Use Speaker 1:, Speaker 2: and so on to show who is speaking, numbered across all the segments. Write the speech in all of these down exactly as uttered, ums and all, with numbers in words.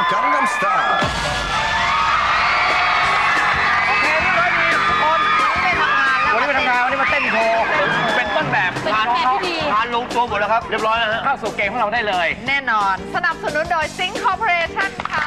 Speaker 1: Gangnam Style
Speaker 2: โอเคเรียบร้อยดีทุกคนวันนี้ไปทำงานวันนี้มาเต้นโชว์เป็นต้นแบบพาน้องๆพาลงตัวหมดแล้วครับเรียบร้อยแล้วฮะเข้าสู่เกมของเราได้เลย
Speaker 3: แน่นอนสนับสนุนโดย Sing Corporation ค่ะ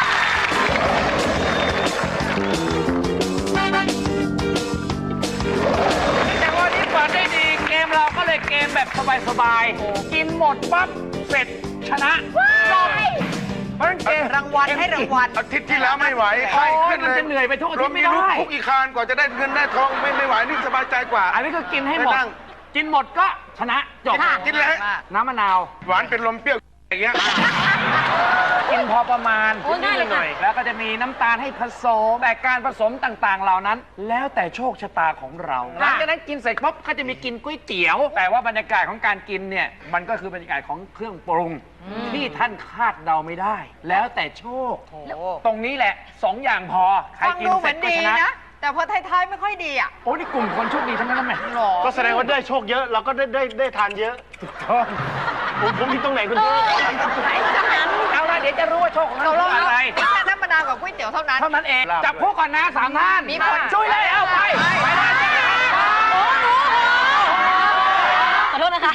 Speaker 2: แต่วันนี้เปิดได้ดีเกมเราก็เลยเกมแบบสบายๆกินหมดปั๊บเสร็จชนะจบเพราะฉะนั้นเกม
Speaker 3: รางวัลให้รางวัล
Speaker 4: อาทิตย์ที่แล้วไม่ไหวไข้ขึ้นเลย
Speaker 2: มันจะเหนื่อยไปทุกอาทิตย์ไม่
Speaker 4: รว
Speaker 2: ได้
Speaker 4: ลูกคุกอีกคานกว่าจะได้เงินได้ทองไม่ไม่ไหวนี่สบายใจกว่า
Speaker 2: อันนี้คือกินให้หมด
Speaker 4: ไม่นั่ง
Speaker 2: กินหมดก็ชนะจบ
Speaker 4: กินเลย
Speaker 2: น้ำมะนาว
Speaker 4: หวานเป็นลมเปรี้ยวอย่างเงี้ย
Speaker 2: กินพอประมาณ
Speaker 5: โอ้ยง่ายเลยค่ะ
Speaker 2: หน่อยแล้วก็จะมีน้ำตาลให้ผสมแต่การผสมต่างๆ เหล่านั้น แล้วแต่โชคชะตาของเราหลังจากนั้นกินเสร็จปุ๊บก็จะมีกินก๋วยเตี๋ยว แต่ว่าบรรยากาศของการกินเนี่ยมันก็คือบรรยากาศของเครื่องปรุงที่ท่านคาดเดาไม่ได้ แล้วแต่โชค ตรงนี้แหละสองอย่างพอใคร
Speaker 3: ฟัง
Speaker 2: กิน
Speaker 3: ดูเห
Speaker 2: เส
Speaker 3: มื
Speaker 2: ร็
Speaker 3: อ
Speaker 2: จ
Speaker 3: น
Speaker 2: ก็
Speaker 3: ดี
Speaker 2: ชนะ
Speaker 3: นะ แต่พอท้ายๆไม่ค่อยดีอ่ะ
Speaker 2: โอ้นี่กลุ่มคนโชคดีทั้งนั้นนะแม่
Speaker 3: หรอ
Speaker 6: ก็แสดงว่าได้โชคเยอะเราก็ได้ได้ได้ทานเยอะ
Speaker 2: ถูกต้อง
Speaker 6: ผมผมผิดตรงไหนคุณพี่
Speaker 2: เอาละเดี๋ยวจะรู้ว่าโชคของ
Speaker 3: ต
Speaker 2: เรา
Speaker 3: กลง
Speaker 2: คืออะไร
Speaker 3: แค่น้ำมะนาวกับก๋วยเตี๋ยวเท่านั้น
Speaker 2: เท่านั้นเองจับพวกก่อนนะสามท่าน
Speaker 3: มีผล
Speaker 2: ช่วยเลยเอาไปไปเลย
Speaker 5: ขอโทษนะคะ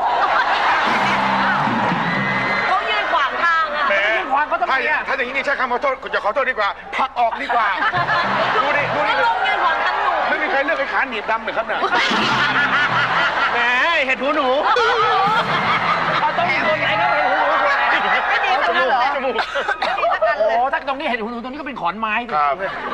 Speaker 5: เขายืนขวางทางอะ
Speaker 4: แหม
Speaker 2: ยื่นความเขาต้อง
Speaker 4: ถ้า
Speaker 2: มีอ่ะ
Speaker 4: ถ้าอย่างนี้นี่ใช้คำขอโทษจะขอโทษดีกว่าผลักออกดีกว่า ดูดิดูดิ
Speaker 5: เขาลงยืนขวางทางหนู
Speaker 4: ไม่มีใครเลือกไอ้ขาหนีบดำเลยครับเนี่ย
Speaker 6: แหมเห็ดหูหนู
Speaker 2: เขาต้องมีตัวไหนก็เห็นหูหนูตัวไหน
Speaker 3: ไม่ดีสักอันเลย
Speaker 4: จมูก
Speaker 3: ไม่ดีสักอัน
Speaker 2: โอ้
Speaker 3: เลย
Speaker 2: ถ้าตรงนี้เห็นหูหนูตรงนี้ก็เป็นขอนไม้สิ
Speaker 4: ครับ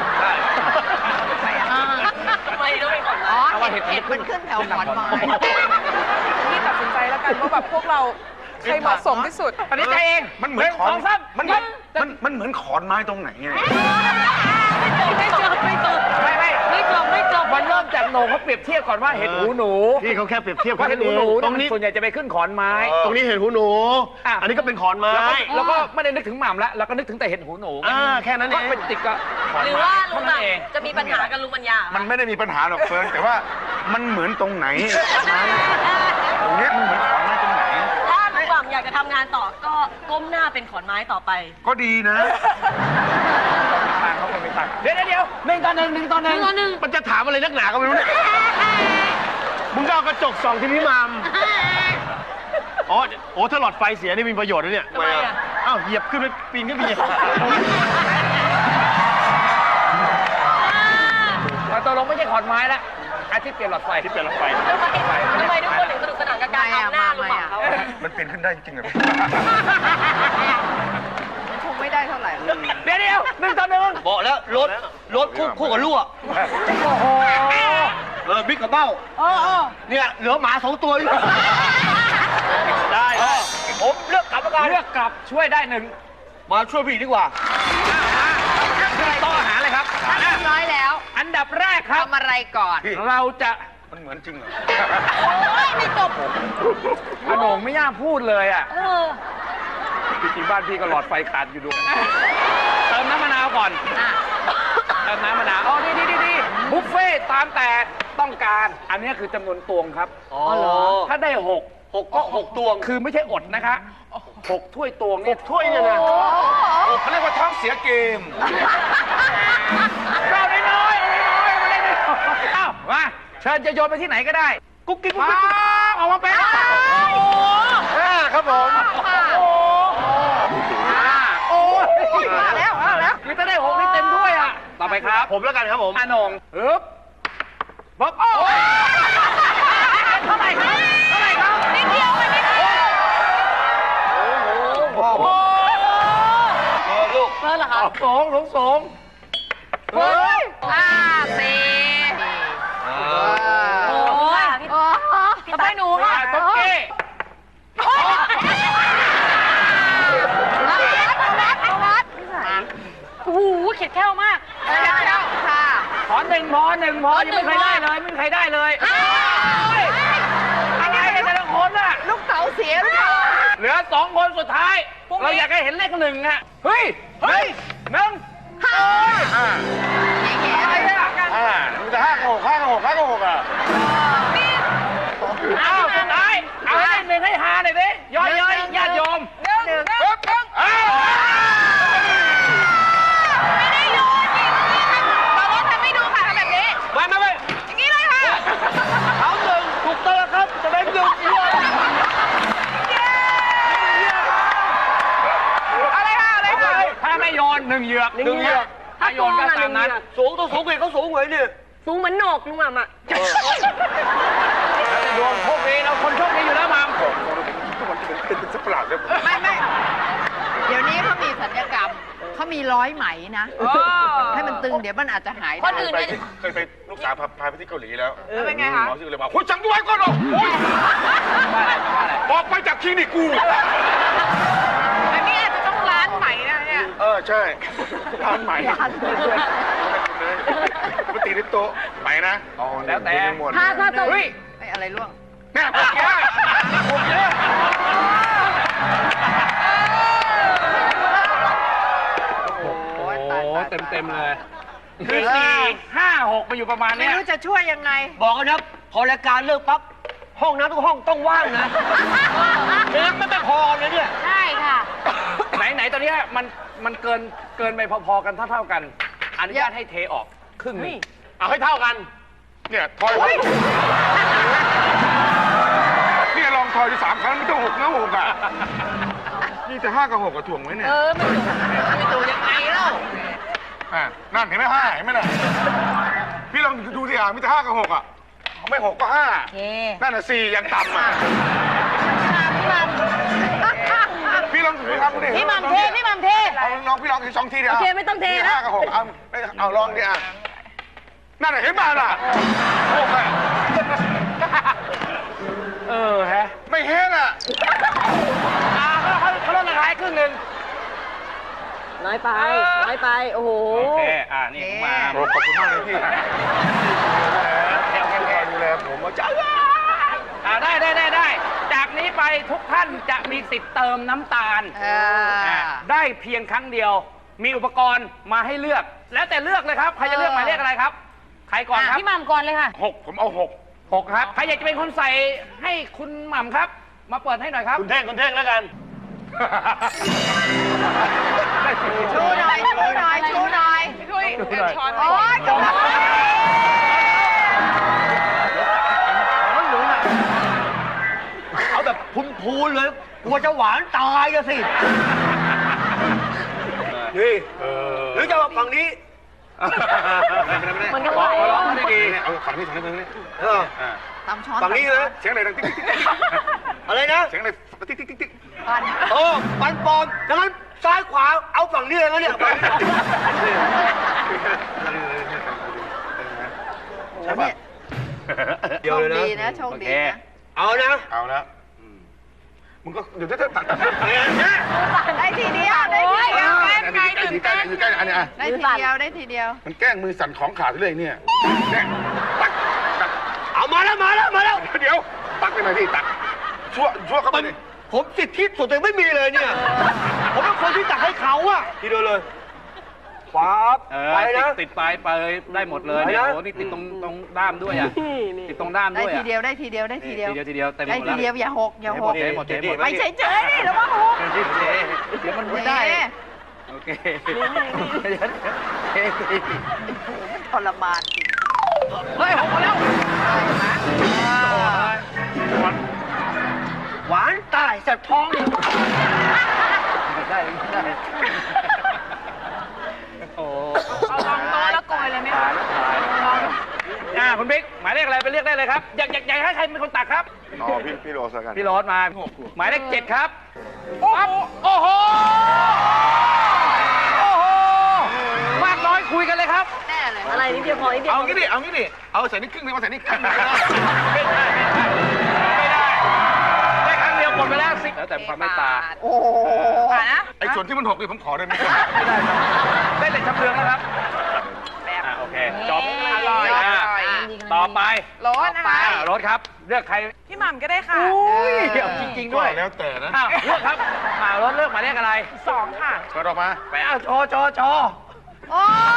Speaker 5: ทำไมต้องเป็นขวาง
Speaker 3: อ๋อเห็ดเห็ดมันขึ้นแถวขอนไม้
Speaker 7: พี่ตัดสินใจแล้วกันว่าแบบพวกเราใครเหมาะสมที่สุด
Speaker 2: ตัดสินใจเอง
Speaker 4: มันเหมือนขอน
Speaker 2: สองสาม
Speaker 4: มันมันมันเหมือนขอนไม้ตรงไหนไง
Speaker 5: ไม่จบไม่จบ
Speaker 2: ไม่ไม่
Speaker 5: ไม่จบไม่จบ
Speaker 2: มันเริ่มจากโหนงเขาเปรียบเทียบก่อนว่าเห็ดหูหนู
Speaker 6: พี่เขาแค่เปรียบเทียบ
Speaker 2: ว่า
Speaker 6: แค่
Speaker 2: เห็ด
Speaker 6: นั้น
Speaker 2: หู
Speaker 6: เอ
Speaker 2: หนู
Speaker 6: งตรงนี้
Speaker 2: ส่วนใหญ่จะไปขึ้นขอนไม้
Speaker 6: ตรงนี้เห็ดหูหนู
Speaker 2: อ่ะ
Speaker 6: อันนี้ก็เป็นขอนไม้
Speaker 2: แล้วก็แล้วก็ไม่ได้นึกถึงหม่ำแล้วเราก็นึกถึงแต่เห็ดหูหนู
Speaker 6: อ่าแค่นั้นเอ
Speaker 2: ก็
Speaker 6: ง
Speaker 2: เป็นติดกับขอน
Speaker 5: หรือ
Speaker 2: ไม้
Speaker 5: ว่าลุ
Speaker 2: เท่าง นั้น
Speaker 5: ห
Speaker 2: เอง
Speaker 5: ม่ำจะมีปัญหากับลุงปัญญา
Speaker 4: มันไม่ได้มีปัญหาหรอกเฟิร์นแต่ว่ามันเหมือนตรงไหนตรงเนี้ยมันเหมือนขอนไม้ตรงไหน
Speaker 5: ถ้าลุงหม่ำอยากจะทำงานต่อก็ก้มหน้าเป็นขอนไม้ต่อไป
Speaker 4: ก็ดีนะ
Speaker 2: ต่างเขาคนไม่ต่างเดี๋ยวเดี๋ยวหนึ่งต่อหนึ่งหนึ่งต่อหนึ่ง
Speaker 5: หนึ่ง
Speaker 6: มันจะถามอะไรนักหนาก็ไม่รู้เนี่ยมึงก็เอากระจกส่องที่พี่มัมอ๋อโอ้ถ้าหลอดไฟเสียนี่มีประโยชน์นะเนี่ย
Speaker 5: ทำไมอะ
Speaker 6: อ้าวเหยียบขึ้นไปปีนขึ้นไปเหยียบ
Speaker 2: เราตกลงไม่ใช่ขอนไม้ละอาทิตย์เปลี่ยนหลอดไฟที่เปลี่ยนหลอดไฟ
Speaker 5: ทำไมทำไมทุกคนถึงสนุกสนานกับการทำหน้าลุงหม่ำเขา
Speaker 4: มันเป็นขึ้นได้จริงๆเหรอ
Speaker 3: มันคงไม่ได้เท่าไหร่
Speaker 2: เดี๋ยวเดี๋ยวหนึ่งต่อหนึ่ง
Speaker 6: บอกแล้วรถรถคู่คู่กับลูก
Speaker 2: โอ้โห
Speaker 6: เออบิ๊กกับเบ้า
Speaker 2: เออเออ
Speaker 6: เนี่ยเหลือหมาสองตัวอยู่ได้
Speaker 2: ผมเลือกกลับแล้วกันเลือกกลับช่วยได้หนึ่ง
Speaker 6: มาช่วยพี่ดีกว่า
Speaker 2: ต้องอาหารเลยครับ
Speaker 3: เรียบร้อยแล้ว
Speaker 2: อันดับแรกครับ
Speaker 3: ทำอะไรก่อน
Speaker 2: เราจะ
Speaker 4: มันเหมือนจริงเหรอ
Speaker 3: โอ้ยไม่จบ
Speaker 2: ขนมไม่ย่าพูดเลยอ่ะ
Speaker 5: เออ
Speaker 2: จริงๆบ้านพี่ก็หลอดไฟขาดอยู่ด้วยเติมน้ำมะนาวก่อน
Speaker 3: อ่ะ
Speaker 2: เติมน้ำมะนาวอ๋อดีดีดีดีบุฟเฟ่ตามแต่ต้องการ อันนี้คือจำนวนตวงครับ
Speaker 6: อ๋อเหรอ
Speaker 2: ถ้าได้หก
Speaker 6: หกก็หกตวง
Speaker 2: คือไม่ใช่อดนะคะหกถ้วยตวงเนี่ย
Speaker 6: ถ้วยเนี่ยนะ
Speaker 3: โอ้โห
Speaker 4: โอ้เขาเรียกว่าท้องเสียเกม
Speaker 2: เราได้น้อยเอาได้น้อยมาได้น้อยเอ้ามาเชิญจะโยนไปที่ไหนก็ได้ กุ๊กกิ๊กกุ๊กกิ๊กออกมาเป็น
Speaker 4: ห้าครับผม
Speaker 2: โอ้อ่าโอ้ย
Speaker 3: มาแล้วมาแล้ว
Speaker 2: คือถ้าได้หกนี่เต็มถ้วยอ่ะต่อไปครับ
Speaker 6: ผมแล้วกันครับผม
Speaker 2: อานงฮึบบ๊อบโอ้ยเท่าไหร่ครับเท่าไหร่ครับนิดเดียวไปนิดเดียวโอ้โหโอ้โห
Speaker 6: เออลูก
Speaker 5: เพิ่นเหรอคะ
Speaker 2: สองสองสองเฮ้ย
Speaker 3: ห้าสี่
Speaker 5: โอ้ยพี่
Speaker 3: โอ้โห
Speaker 5: ต่อไปหนูค่ะ
Speaker 2: ตุ๊กกี้
Speaker 3: เอาวัดเอาวัดเอาวัด
Speaker 5: โอ้โหเข็ดแค้วมาก
Speaker 3: เอาวัดแล้วค่ะ
Speaker 2: ขอหนึ่งพอหนึ่งพอยังไม่เคยได้เลยไม่มีใครได้เลยเฮ้ยอะไรกันแต่ละคนน่ะ
Speaker 3: ลูกเต๋าเสียหรือเปล่า
Speaker 2: เหลือสองคนสุดท้าย เราอยากให้เห็นเลขหนึ่งอะเฮ้ย เฮ้ยหนึ่ง
Speaker 4: ห้า
Speaker 2: อะไรอะ
Speaker 4: ห้ามันจะห้ากับหกห้ากับหกห้ากับหกอ่ะ
Speaker 2: อ้าวสุดท้ายเอาให้หนึ่งให้หาหน่อยดิย้อยย้อยญาติโยม
Speaker 3: หนึ่ง
Speaker 4: ปึ๊บปึ๊บอ้าว
Speaker 2: นหนึ่งเหยือก
Speaker 5: หนึ่งเหยือก
Speaker 2: ถ้าโยนก็ตามนั้น
Speaker 6: สูงต้องสูงกว่าเขาสูงกว่านี่
Speaker 5: สูงเหมือนโหนกลุงหม่ำอ่ะ
Speaker 2: ดวงโชคดีเราคนโชคดีอยู่แล้วมัม
Speaker 4: ทุกคนจะเป็นเป็นสัตว์ประหลาดเลย
Speaker 3: ไม่ไม่เดี๋ยวนี้เขามีสัญญกรรมเขามีร้อยไหมนะ ให้มันตึงเดี๋ยวมันอาจจะหาย
Speaker 5: คนอื่น
Speaker 4: ไป
Speaker 5: เนี่ย
Speaker 4: เคยไปลูกสาวพาพาไปที่เกาหลีแล้ว
Speaker 7: แล้วเป็นไงคะ
Speaker 4: หมอชื่อเลยบอกคุณจังด้วยก่อนเหรอโอ้ย
Speaker 2: ว่าอะไรว่าอะไร
Speaker 4: ออกไปจากคลินิกกู
Speaker 7: อันนี้อาจจะต้องร้านใหม่นะเนี่ย
Speaker 4: เออใช่ร้านใหม่มาตีในโต๊ะไปนะอ๋อ
Speaker 2: แล้วแต่
Speaker 4: หมด
Speaker 5: ถ้าถ้าจะ
Speaker 2: เฮ้ย
Speaker 3: ไอ้อะไรร่วง
Speaker 4: แม่ผมแก่ผมเยอะ
Speaker 3: โอ้ย
Speaker 2: โอ้
Speaker 3: ตาย
Speaker 2: โห
Speaker 3: ตาย
Speaker 2: เต็มเต็มๆเลยคือสี่ห้าหกไปอยู่ประมาณ
Speaker 3: ไม่
Speaker 2: เนี้ย
Speaker 3: รู้จะช่วยยังไง
Speaker 6: บอกกันนะพอรายการเลิกปั๊บห้องน้ำทุกห้องต้องว่างนะไม่งั้นไม่พอเลยเนี่ย
Speaker 3: ใช่ค่ะ
Speaker 2: ไหนไหนตอนเนี้ยมันมันเกินเกินไปพอๆกันเท่าเท่าๆกัน อนุญาตให้เทออกครึ่งหนึง
Speaker 6: เอาให้เท่ากัน
Speaker 4: เนี่ยทอยเนี่ยลองทอยที่สามครั้งไม่ต้องหกนะหกอ่ะนี่แต่ห้ากับหกกับถ่วงไว้เนี่ย
Speaker 3: เออไม่ถูกไม่ถูกยังไงเล่า
Speaker 4: อ่ะนั่นเห็นไหมห้าเห็นไหมน่ะพี่ลองดูสิอ่ะมีแต่ห้ากับหกอ่ะไม่หกก็ห้านั่นน่ะสี่ยังต่ำอ่ะพี่ลองพี่ลองดูดิ
Speaker 3: พี่มัมเทพี่มัมเท
Speaker 4: เอาลองพี่ลองอีกสองทีเดียว
Speaker 5: โอเคไม่ต้องเทนะ
Speaker 4: ห้ากับหกเอาเอาลองดิอ่ะนั่นน่ะเห็นมาล่ะหกอ่ะ
Speaker 2: เออฮะ
Speaker 4: ไม่เห็นอ่ะ
Speaker 2: อ่าเขาเขาเขาลดราคาให้ครึ่งหนึง
Speaker 5: น้อยไป น้อยไป โอ้โห
Speaker 2: โอเค อ่า นี่ผมมา
Speaker 4: โอ้ขอบคุณมากเลยพี่ดูแลผมว่าจ้า
Speaker 2: อ่าได้ได้ได้ได้ จากนี้ไปทุกท่านจะมีสิทธิ์เติมน้ำตาล
Speaker 3: อ่า
Speaker 2: อ่าได้เพียงครั้งเดียว มีอุปกรณ์มาให้เลือก แล้วแต่เลือกเลยครับ ใครจะเลือกหมายเลขอะไรครับ ใครก่อนครับ
Speaker 5: พี่หม่ำก่อนเลยค่ะ
Speaker 4: หกผมเอาหก
Speaker 2: หกครับ ใครอยากจะเป็นคนใส่ให้คุณหม่ำครับ มาเปิดให้หน่อยครับ
Speaker 6: คุณเท่งคุณเท่งแล้วกัน
Speaker 3: ชูหน่อยชูหน่อยชูหน่อย
Speaker 7: พี่ทุยเดี๋ยวช้อน
Speaker 3: โอ๊ยกำลัง
Speaker 6: เอาแบบพูนๆเลยกลัวจะหวานตายอะสินี่หรือจะเอาฝั่งนี้
Speaker 5: มันก็
Speaker 2: ขอ
Speaker 5: ไหว
Speaker 2: ขอร้องได้ดี
Speaker 4: เอาฝั่งนี้ฝั่งนี้ฝั่งนี้
Speaker 6: เออ
Speaker 3: ตำช้อน
Speaker 6: ฝั่งนี้เลย
Speaker 4: เสียงอะไรดังติ๊กติ๊กติ๊ก
Speaker 6: อะไรนะ
Speaker 4: เสียงอะไรติ๊กติ๊กติ๊กติ๊ก
Speaker 3: ปัน
Speaker 6: โอ้ปันปลอมดังนั้นซ้ายขวาเอาฝั่งนี้เลยนะเนี่ย
Speaker 3: ใช่ป่ะโชคดีนะโชคดีนะ
Speaker 6: เอานะ
Speaker 4: เอาแล้วมึงก็เดี๋ยวจะตัดตัด
Speaker 3: ได้ทีเดียวได้ทีเดียว
Speaker 4: อันนี้ใกล้ใกล้อันนี้ใกล้อันนี้อ่ะ
Speaker 3: ได้ทีเดียวได้ทีเดียว
Speaker 4: มันแกล้งมือสั่นของขาดเลยเนี่ยเนี่ยตักตัก
Speaker 6: เอามาแล้วมาแล้วมาแล้ว
Speaker 4: เดี๋ยวตักได้ไหมพี่ตักชั่วชั่วเข้าไป
Speaker 6: มัน
Speaker 4: ดิ
Speaker 6: ผมสิทธิส่วนตัวเองไม่มีเลยเนี่ย ผมเป็นคนที่ตักให้เขาอะทีเดียวเลยปั๊บ
Speaker 2: เออ
Speaker 6: ไป
Speaker 2: ติด
Speaker 6: นะ
Speaker 2: ติดปลายไปได้หมดเลยเนี่ย
Speaker 6: ไปนะ
Speaker 2: โอ้โหนี่ติดตรงตรงด้ามด้วยอ่ะ ติดตรงด้าม
Speaker 3: ได้
Speaker 2: ด้วย
Speaker 3: ที
Speaker 2: อ่ะ
Speaker 3: เดียวได้ทีเดียวได้ทีเดียว
Speaker 2: ทีเดียวทีเดียวเต็มห
Speaker 3: ได้
Speaker 2: มด
Speaker 3: ที
Speaker 2: แล้ว
Speaker 3: เดียวอย่าหกอย่าหก
Speaker 2: เทหมดเทหมด
Speaker 3: ไปเฉยๆนี่แล้วว่าหก
Speaker 2: เดี๋ยวมันไม่ได้ โอเคเฮ้ย
Speaker 3: ทรมานจริง
Speaker 2: หกมาแล้ว
Speaker 6: หวานตายแสบท้องเนี่ย
Speaker 2: ไม่ได้ไม่ได้โอ้
Speaker 7: เอาลองโต๊ะแล้วโกยเลยไหม
Speaker 2: ตา
Speaker 7: คะ
Speaker 2: ยแล้วตายอ่าคุณบิ๊กหมายเลขอะไรไปเรียกได้เลยครับ อยากอยากอยากให้ใครเป็นคนตักครับ
Speaker 4: อ๋อพี่พี่โรสแล้วกัน
Speaker 2: พี่โรสมา หมายเลขเจ็ดครับ ปั๊บ โอ้โห โอ้โห มากน้อยคุยกันเลยครับ
Speaker 3: แน่เลย
Speaker 5: อะไรนิดเดียวพอนิดเดียว
Speaker 4: เอางี้ดิเอางี้ดิเอาใส่นี่ครึ่งนึงมาใส่นี่ครึ่งนึง
Speaker 2: ไม่ได้ ไม่ได้ ไม่ได้ ได้ครั้งเดียวหมดไปแล้วสิแล้วแต่ความเมตตา
Speaker 3: โอ้โห
Speaker 7: อ่ะนะ
Speaker 4: ไอ้ส่วนที่มันหกนี่ผมขอได้ไหม
Speaker 2: ไม่ได้ครับได้แต่ชำเลืองแล้วครับอ่าโอเค จบ
Speaker 7: อร่อย
Speaker 2: อ่า
Speaker 7: อร่อย
Speaker 2: ต่อไป
Speaker 7: รสนะคะ
Speaker 2: อ่ารถครับ เลือกใคร
Speaker 7: พี่หม่ำก็ได้ค่ะ
Speaker 2: อุ้ยเดี๋ยวจริงๆด้วย
Speaker 4: แล้วแต่นะ
Speaker 2: อ้าวเลือกครับอ่ารถเลือกหมายเลขอะไร
Speaker 7: สองค่ะ
Speaker 4: เปิดออกมา
Speaker 2: ไปเอาโชว์โชว์โชว์
Speaker 3: โอ้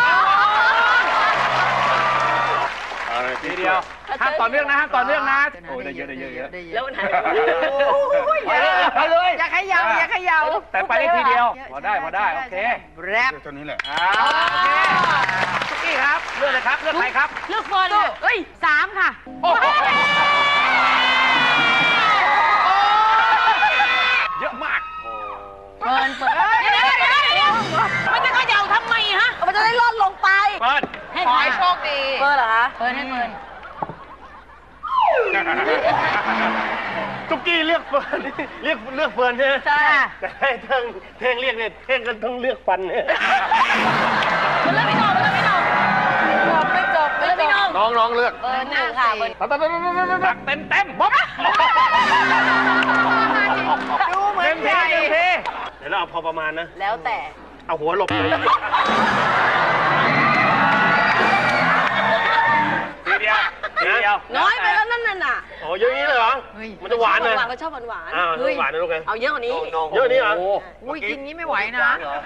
Speaker 4: เอาเลย
Speaker 2: ทีเดียวห้ามต่อเนื่องนะห้ามต่อเนื่องนะโอ้ยได้เยอะได้เยอะเยอะ
Speaker 5: แล้วมันหาย
Speaker 2: ไปเลยไปเลย
Speaker 3: อย่าเขย่าอย่าเขย่า
Speaker 2: แต่ไปได้ทีเดียว พอได้พอได้โอเค
Speaker 3: แรป
Speaker 4: ตัวนี้แหละ
Speaker 2: อ่าโอเคสุกี้ครับเลือกเลยครับเลือกใครครับ
Speaker 5: เลือกเฟิร์นเลยเอ้ยสามค่ะ
Speaker 2: โอ้โหเยอะมาก
Speaker 5: เฟิร์นเฟิร์นเดี๋ยวเดี๋ยวเดี๋ยวมันจะขยับเฟิร์นเหรอคะ
Speaker 3: เฟิร์นให้เฟิร์น
Speaker 6: ตุ๊กกี้เลือกเฟิร์นเลือกเลือกเฟิร์นใช่ไหม
Speaker 3: ใช่
Speaker 6: แต่ให้เท่งเท่งเรียกเนี่ยเท่งก็ต้องเลือกฟันเนี่ย
Speaker 5: มันเลือกพี่น้องมันเลือกพี่น้อง
Speaker 7: จบไม่จบ
Speaker 5: มันเลือกพี่น้อง
Speaker 4: น้องน้องเลือก
Speaker 5: เบอร์หนึ่งค่ะเบอร์
Speaker 2: ตักเต็มเต็มบ๊อบ
Speaker 3: ดูเหมือ
Speaker 2: เต็
Speaker 3: น
Speaker 2: ม
Speaker 3: ให
Speaker 2: ที
Speaker 3: ญ่
Speaker 2: เต็มที
Speaker 6: เดี๋ยวเราเอาพอประมาณนะ
Speaker 5: แล้วแต่
Speaker 6: เอาหัวหลบเลย
Speaker 2: ทีเดียวทีเดียว
Speaker 5: น้อยไปแล้วนั่นน่ะ
Speaker 6: โอ้เยอะอย่างนี้เลยเหรอ มันจะหวานเลย
Speaker 5: หวานก็ชอบหวานหวาน
Speaker 6: อ้าวหวานนะลูกไง
Speaker 5: เอาเยอะกว่านี้
Speaker 6: เยอะนี่เหรอ
Speaker 3: อุ้ยกินนี้ไม่ไหวนะ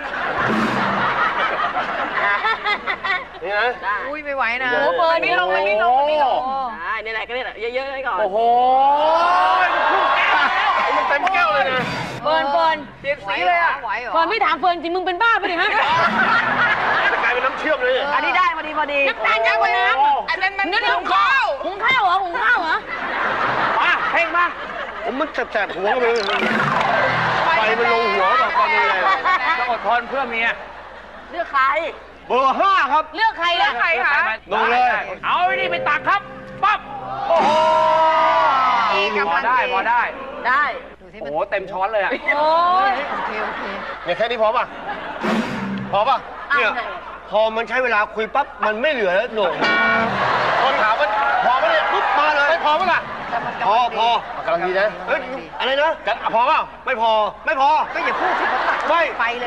Speaker 6: นี่นะ
Speaker 5: ได้
Speaker 3: อุ้ยไม่ไหวนะ
Speaker 6: โอ้โห
Speaker 5: เบอร์ไม่ลงไม่ลงไม่ลง
Speaker 3: โอ้
Speaker 5: ได้นี่แหละก็นี่แหละเยอะๆให้ก่อน
Speaker 2: โอ้โหพุ่งแก้วแล้ว
Speaker 6: มันเต็มแก้วเลยนะ
Speaker 5: เฟิร์นเฟิร์น
Speaker 2: เปลี่ยนสีเลยอ่ะ
Speaker 3: ไหวเหรอ
Speaker 5: เฟิร์นไม่ถามเฟิร์นจริงมึงเป็นบ้าไปดิฮะ
Speaker 6: จะกลายเป็นน้ำเชื่อมเลย
Speaker 5: อันนี้ได้พอดีพอดีน้ำตาลเยอะกว่าน้ำ
Speaker 7: อันนั้นมัน
Speaker 5: นั่นหุงข้าวหุงข้าวเหรอหุงข้าวเหรอ
Speaker 2: มาเพ่งบ้าง
Speaker 6: ผมมันแสบๆหัวเลยไฟมันลงหัวแบบตอนนี้เลย
Speaker 2: ต้องอดทนเพื่อเมีย
Speaker 5: เลือกใคร
Speaker 6: เบอร์ห้าครับ
Speaker 5: เลือกใครล่ะ
Speaker 7: ใครคะ
Speaker 6: ลงเลย
Speaker 2: เอาไอ้นี่ไปตักครับปั๊บโอ้โห
Speaker 3: อีก
Speaker 2: พ
Speaker 3: กำ
Speaker 2: อ
Speaker 3: ลัง
Speaker 2: ได้พอได้
Speaker 5: ได้
Speaker 3: ดูสิ
Speaker 2: โอ้
Speaker 3: มัน
Speaker 2: โหเต็มช้อนเลยอ่ะ
Speaker 5: โอ้ย
Speaker 3: โอเคโอเค
Speaker 6: เนี่ยแค่นี้พอป่ะ พอป่ะ เนี่ยพอมันใช้เวลาคุยปั๊บ มันไม่เหลือแล้วหนูคนถามว่าพอไหมเนี่ยปุ๊บมาเลยไม่พอป่ะล่ะ พอพอกำลังดีนะ เฮ้ย อะไรนะกันพอเปล่าไม่พอ ไม่พอ
Speaker 3: ก็อย่าพูดสิเขาตัก
Speaker 6: ไม่
Speaker 3: ไปเลย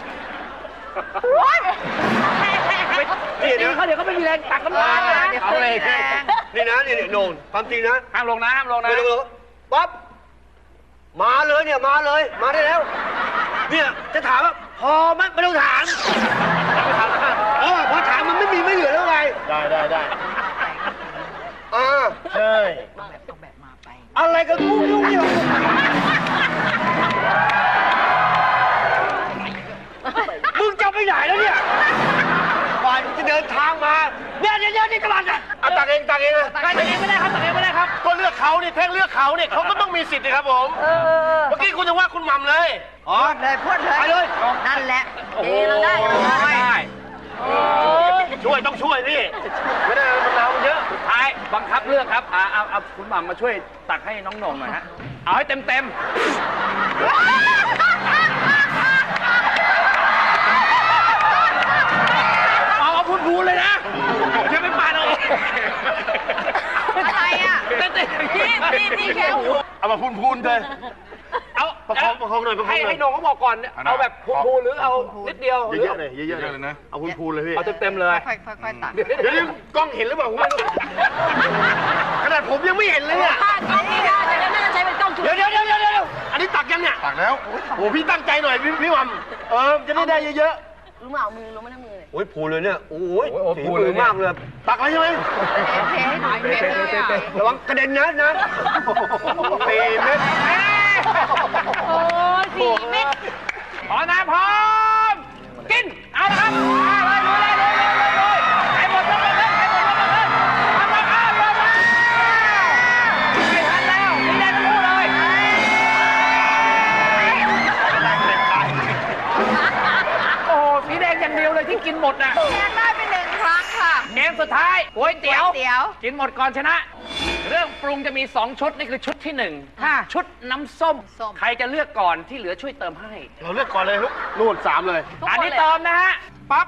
Speaker 6: นี่เดี๋ยว
Speaker 2: เขาเดี๋ยวเขาไม่มีแรงตักน้ำตาล
Speaker 3: เออ
Speaker 2: นะ
Speaker 3: เดี๋ยว
Speaker 6: เอาเลย
Speaker 3: แรง
Speaker 6: นี่นะนี่โหน่งความจริงนะ
Speaker 2: ห้ามลงนะห้ามลงนะ
Speaker 6: ไม่ต้องเลยปั๊บ มาเลยเนี่ย มาเลย มาได้แล้ว เนี่ย จะถามว่า พอไหมไม่ต้องถามไม่ถามนะเออพอถามมันไม่มีไม่เหลือแล้วไง ได้ได้ได้อ่าใช่
Speaker 3: เอาแบบเอาแบบมาไป
Speaker 6: อะไรกันกูยุ่งเนี่ยมึงจะไปไหนแล้วเนี่ยกว่าจะเดินทางมาเนี่ยเนี่ยเนี่ยนี่ตลาดอ่ะเอาตักเองตักเองนะ
Speaker 2: ตักเองไม่ได้ครับตักเองไม่ได้ครับ
Speaker 6: ก็เลือกเขาเนี่ยแท่งเลือกเขาเนี่ยเขาก็ต้องมีสิทธิ์นะครับผม
Speaker 3: เออ
Speaker 6: เมื่อกี้คุณจะว่าคุณหม่ำเลยอ๋อ
Speaker 3: พูดเลยพูดเลย
Speaker 6: ไปเลย
Speaker 3: นั่นแหละ
Speaker 2: โอ้โห
Speaker 5: เราได้เราได้
Speaker 2: ได้
Speaker 6: ช่วยต้องช่วยนี่ไม่ได้มันน้ำเยอะ
Speaker 2: สุดท้ายบังคับเลือกครับอ่าเอาเอาคุณหม่ำมาช่วยตักให้น้องหน่งหน่อยฮะเอาให้เต็มเต็มเอาเอาพูนพูนเลยนะอย่าไปปาดเอา
Speaker 3: อะไรอ่ะ
Speaker 2: เต็มเต็ม
Speaker 5: พี่พี่พี่แค่หู
Speaker 6: เอามาพูนๆเลย
Speaker 2: เอา
Speaker 6: ประคองประคองหน่อยประคอง
Speaker 2: ให้
Speaker 6: หน่อย
Speaker 2: ให้น้องเขาบอกก่อนเอาแบบพูนพูนหรือเอานิดเดียว
Speaker 6: เยอะๆเลยเยอะๆเลยนะเอาพูนๆเลยพี่
Speaker 2: เอาเต็มเต็มๆเลย
Speaker 3: ค่อยๆค่อยๆตัก
Speaker 6: เดี๋ยวนี้กล้องเห็นหรือเปล่าผมไม่รู้ขนาดผมยังไม่เห็นเลยเนี่ย
Speaker 5: ถ้าเขาไม่ได้จะน่าจะใช้เป็นกล้องจุด
Speaker 6: เดี๋ยวเดี๋ยวเดี๋ยวเดี๋ยวเดี๋ยวอันนี้ตักยังเนี่ย
Speaker 4: ตักแล้ว
Speaker 6: โอ้พี่ตั้งใจหน่อยพี่พี่หม่ำเออจะได้ได้เยอะ
Speaker 5: รู้มาเอามือรู้ไม่ได้มือเลย
Speaker 6: ๆโอ้ยพูนเลยเนี่ยโอ้ย
Speaker 2: โอ้โห
Speaker 6: สี
Speaker 2: พูน
Speaker 6: มื
Speaker 2: เล
Speaker 6: อย
Speaker 2: เนี่ย
Speaker 6: มากเลยตักแล้วใช่ไหม
Speaker 3: เทให้หน่อยเทเลยอ่ะ
Speaker 6: ระวังกระเด็นนะนะสี่เม็ด
Speaker 5: โอ้ยสี่เม็ด
Speaker 2: พร้อมนะพร้อมกินเอาละครับมาเลยลุยเลยลุยเลยลุยเลยใครหมดยกมือขึ้นใครหมดยกมือขึ้นทำมาอ้าวลงมาไม่ทันแล้วสีแดงทั้งคู่เลยโอ้โหสีแดงอย่างเดียวเลยที่กินหมดน่ะ
Speaker 3: แทนได้ไปหนึ่งครั้งค่ะ
Speaker 2: เกมสุดท้ายก๋วยเตี๋ยว
Speaker 3: เตี๋ยว
Speaker 2: กินหมดก่อนชนะ เรื่องปรุงจะมีสองชุดนี่คือชุดที่หนึ่ง
Speaker 3: ค่ะ
Speaker 2: ชุดน้ำส้ม
Speaker 3: ส้ม
Speaker 2: ใครจะเลือกก่อนที่เหลือช่วยเติมให้
Speaker 6: เราเลือกก่อนเลยลูกนู่นสามเลย
Speaker 2: อันนี้เติมนะฮะ ปั๊บ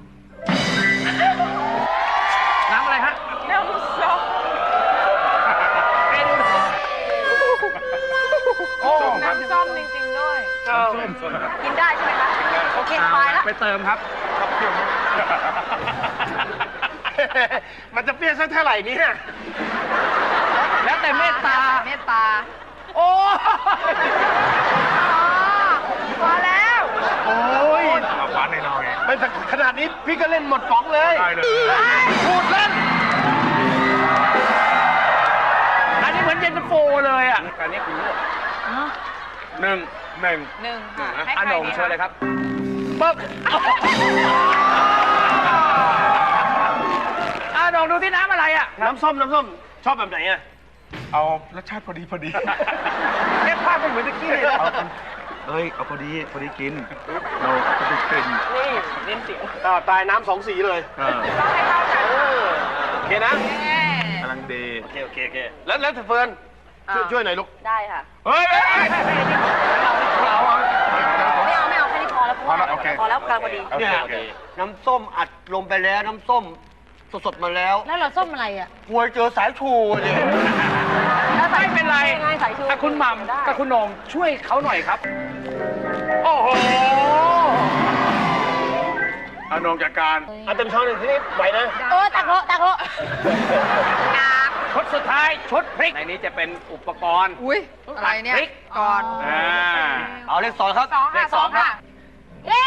Speaker 2: น้ำอะไรฮะ
Speaker 7: น้ำส้ม
Speaker 2: เมนูโอ้
Speaker 7: น้ำส้มจริงๆด้วย
Speaker 5: กินได้ใช่ไหมคะโอเคสบายแล้ว
Speaker 2: ไปเติมครับ
Speaker 6: มันจะเปรี้ยวสักเท่าไหร่เนี่ย
Speaker 2: แล้วแต่เมตตา
Speaker 3: เมตตา
Speaker 2: โอ้
Speaker 3: พอแล้ว
Speaker 6: โอ้ย
Speaker 4: เอาหวานในน้อย
Speaker 6: ไม่สักขนาดนี้พี่ก็เล่นหมดป๋องเลย
Speaker 4: ได้เลย
Speaker 6: พูดเล่น
Speaker 2: อันนี้เหมือนเย็นตาโฟเลยอ่ะอันนี้คุณเลือกหนึ่งหนึ่ง
Speaker 7: หนึ่งค่ะให้
Speaker 2: อัน
Speaker 7: ใคร
Speaker 2: นง
Speaker 7: ดี
Speaker 2: เชิญเลย
Speaker 7: คะ
Speaker 2: ครับปึ๊บอ่ะนงดูที่น้ำอะไรอ่ะ
Speaker 6: น้ำส้มน้ำส้มชอบแบบไหนอ่ะ
Speaker 4: เอารสชาติพอดีพอดี
Speaker 2: เก็บภาพเป็นเหมือนตะกี้เลยนะ
Speaker 4: เอ้ย เอาพอดี พอดีกินเราพอดีกิน
Speaker 5: นี่
Speaker 2: เน้นเสียง
Speaker 6: อ่าตายน้ำสองสีเลย
Speaker 4: เออ
Speaker 7: ต้องให้เข้ากัน
Speaker 6: เออโอเคนะ
Speaker 4: กำลังดี
Speaker 6: โอเคโอเคโอเคแล้วแล้วเฟิร์นช่วยช่วยหน่อยลูก
Speaker 5: ได้ค่ะ
Speaker 4: เฮ้ยเฮ้ยเฮ้ย
Speaker 2: เราอะ
Speaker 5: ไม่เอาไม่เอาแค่นี้พอแล้ว
Speaker 4: พอแล้วโอเค
Speaker 5: พอแล้วกลางพอดี
Speaker 4: โอเค
Speaker 6: เนี่ย
Speaker 4: โอเค
Speaker 6: น้ำส้มอัดลมไปแล้วน้ำส้มสดๆมาแล้ว
Speaker 3: แล้วเราส้มอะไรอ่ะ
Speaker 6: กลัวเจอสายชูเนี่ย
Speaker 2: ไม่เป็นไร
Speaker 5: ง่ายๆสายชู
Speaker 2: ถ้าคุณหม่
Speaker 5: ได้
Speaker 2: ำกับคุณโหน่งช่วยเขาหน่อยครับ โอ้โห
Speaker 4: เอานงจัดการ
Speaker 6: เอาเต็มช้อนหนึ่งทีนี้ไหวนะ
Speaker 3: เออตักโลตักโล
Speaker 2: ชุดสุดท้ายชุดพริก ในนี้จะเป็นอุปกรณ์
Speaker 3: อุ้ยอะไรเนี่ย
Speaker 2: พริก
Speaker 3: ก่อน
Speaker 2: อ่า
Speaker 6: เอาเลขสองครับ
Speaker 7: สอง
Speaker 2: เล
Speaker 7: ค่ะ
Speaker 2: ขสองครับ
Speaker 3: เย้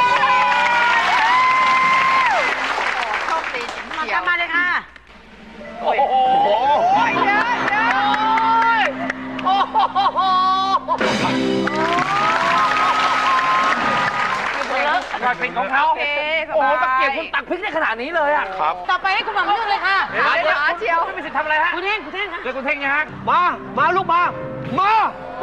Speaker 3: โชคดีจริงเชียวมาเลยค่ะ
Speaker 2: โอ้โห
Speaker 3: เยอะเยอะโอ้โห
Speaker 2: รอยพริกของเขา
Speaker 7: โอเคส
Speaker 2: โอ้โห
Speaker 7: บาย
Speaker 2: ตะเกียบคุณตักพริกได้ขนาดนี้เลยอ่ะ
Speaker 4: ครับ
Speaker 3: ต่อไปให้คุณหม่ำเลือกเลยค่ะ
Speaker 2: เดี๋ยวเดี๋ยว
Speaker 3: หาเชียว
Speaker 2: คุณไม่มีสิทธิ์ทำอะไรฮะ
Speaker 3: คุณเท่งคุณเท่งคะ
Speaker 2: เดี๋ยวคุณเท่งยังฮะ
Speaker 6: มา มาลูกมา มา มา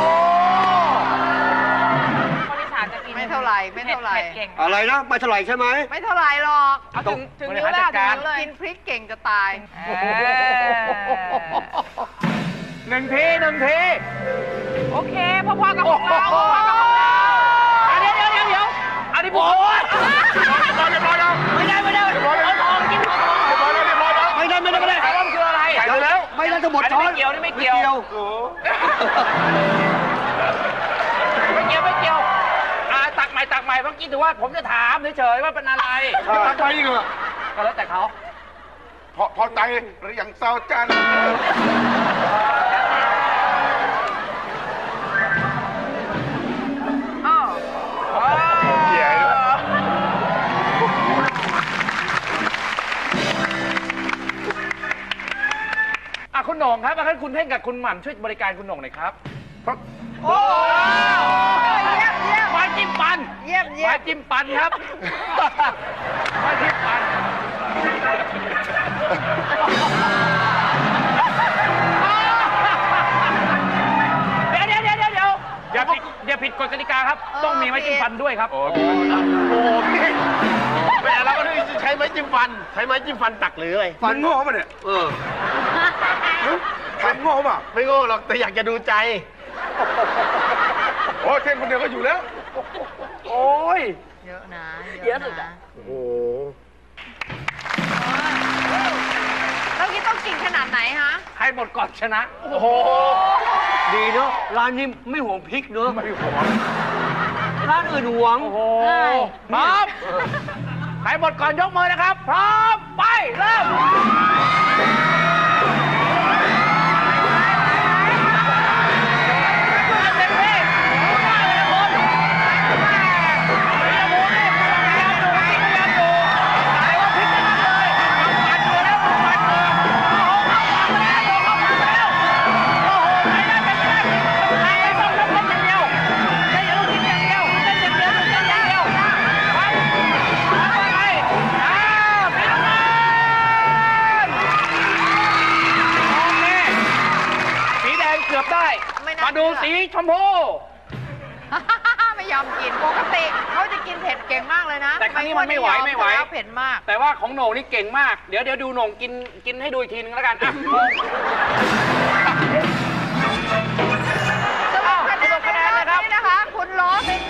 Speaker 7: คนอีสานจะกิน
Speaker 3: ไม่เท่าไหร่ไม่เท่าไหร่
Speaker 7: ผ็ดเก่ง
Speaker 6: อะไรนะไม่เท่าไหร่ใช่ไหม
Speaker 3: ไม่เท่าไหร่หรอก
Speaker 7: เอาถึงถึง
Speaker 2: บริ
Speaker 7: นิ้ว
Speaker 2: หาร
Speaker 7: แล้
Speaker 2: จั
Speaker 7: ว
Speaker 2: ดการ
Speaker 7: ถึงนิ้วเลย
Speaker 3: กินพริกเก่งจะตาย
Speaker 7: เออ
Speaker 2: หนึ่งทีหนึ่งที
Speaker 7: โอเคพอๆกับของเราพอๆกับของเรา
Speaker 2: อ่ะเดี๋ยวเดี๋ยวเดี๋ยวเดี๋ยวอันนี้ผมโอ้ย
Speaker 4: เรียบร้อยแล้ว
Speaker 2: ไม่ได้ไม่ได้
Speaker 4: เรียบร้อยแล้ว
Speaker 2: ทองกินทอง
Speaker 4: เรียบร้อยแล้วเรียบร้อยแล้ว
Speaker 6: ไม่ได้ไม่ได้ไม่ได้
Speaker 2: ไอ้ว่ามันคืออะไร
Speaker 4: ใส่ไปแล้ว
Speaker 6: ไม่ได้จะหมด
Speaker 2: อัน
Speaker 6: ช้
Speaker 2: นี้
Speaker 6: อน
Speaker 2: ไม่เกี่ยวนี่ไม่เกี่ยว
Speaker 6: ไม่เกี่ยว
Speaker 4: โอ้โห
Speaker 2: ไม่เกี่ยวไม่เกี่ยวอ่าตักใหม่ตักใหม่เมื่อกี้ถือว่าผมจะถามเฉยๆว่าเป็นอะไร
Speaker 4: ตั้งใจอีกเหรอ
Speaker 2: ก็แล้วแต่เขา
Speaker 4: พอพอใจหรือยังเศร้าจัน
Speaker 7: อ้าว
Speaker 4: เหี้ย
Speaker 2: อ่ะคุณโหน่งครับงั้นคุณเท่งกับคุณหม่ำช่วยบริการคุณโหน่งหน่อยครับ
Speaker 3: โอ้เยี่ยมเยี่ยม
Speaker 2: ไม้จิ้มปัน
Speaker 3: เยี่ยมเยี่ย
Speaker 2: ไม้
Speaker 3: ม
Speaker 2: จิ้มปันครับไม้จิ้มปันเดี๋ยวเดี๋ยวเดี๋ยวเดี๋ยวเดี๋ยวอย่าผิดอย่าผิดกฎกติกาครับ ต้องมีไม้จิ้มฟันด้วยครับ
Speaker 4: โอ้
Speaker 6: โอ้โหพี่แม่เราก็เลยใช้ไม้จิ้มฟัน ใช้ไม้จิ้มฟันตักหรืออะไร
Speaker 4: ฟันโง่ป่ะเนี่ย
Speaker 6: เออ
Speaker 4: ฟันโง่ป่ะ
Speaker 6: ไม่โง่หรอกแต่อยากจะดูใจ
Speaker 4: โอ้เท่งคนเดียวก็อยู่แล้ว
Speaker 2: โอ้ย
Speaker 3: เยอะนะ
Speaker 5: เยอะสุดอะ
Speaker 6: โอ้โห
Speaker 3: แล้วกี้ต้องกินขนาดไหนฮะ
Speaker 2: ใครหมดก่อนชนะ
Speaker 6: โอ้โห ดีเนาะ ร้านนี้ไม่ห่วงพริกเนาะ
Speaker 4: ไม่ห่วง
Speaker 6: ร้านอื่นห่วง
Speaker 2: โอ้โหพร้อมใครหมดก่อนยกมือนะครับ พร้อม ไป เริ่ม เต็มที่มาเลยนะคุณพยายามดูนี่พยายามดูพยายามดูไหนว่าพลิกกันเลยปัดเลยแล้วปัดเลยโอ้โหเข้าปากมาแล้วเข้าปากมาแล้วโอ้โหไม่ได้ไม่ได้ใครไม่ต้องยกเล่นอย่างเดียวเล่นอย่างเดียวเล่นอย่างเดียวเล่นอย่างเดียวเล่นอย่างเดียวไปไปไปอ้าวพี่น้องโอเคสีแดงเกือบได้
Speaker 3: ไม่น่า
Speaker 2: มาดู
Speaker 3: เชื่
Speaker 2: สี
Speaker 3: อ
Speaker 2: ชมพู
Speaker 3: ไม่ยอมกินปกติเขาจะกินเผ็ดเก่งมากเลยนะ
Speaker 2: แต่ครั้งนี้มันไม่ไหวไม่ไหว
Speaker 3: แล้วเผ็ดมาก
Speaker 2: แต่ว่าของโหน่งนี่เก่งมาก เดี๋ยวเดี๋ยวดูโหน่งกินกินให้ดูอีกทีนึงแล้วกันอ่ะ
Speaker 3: สรุปคะแนน
Speaker 2: สรุปคะแนน
Speaker 3: ในรอบ
Speaker 2: นะครับ
Speaker 3: นี้นะคะ คุณโรส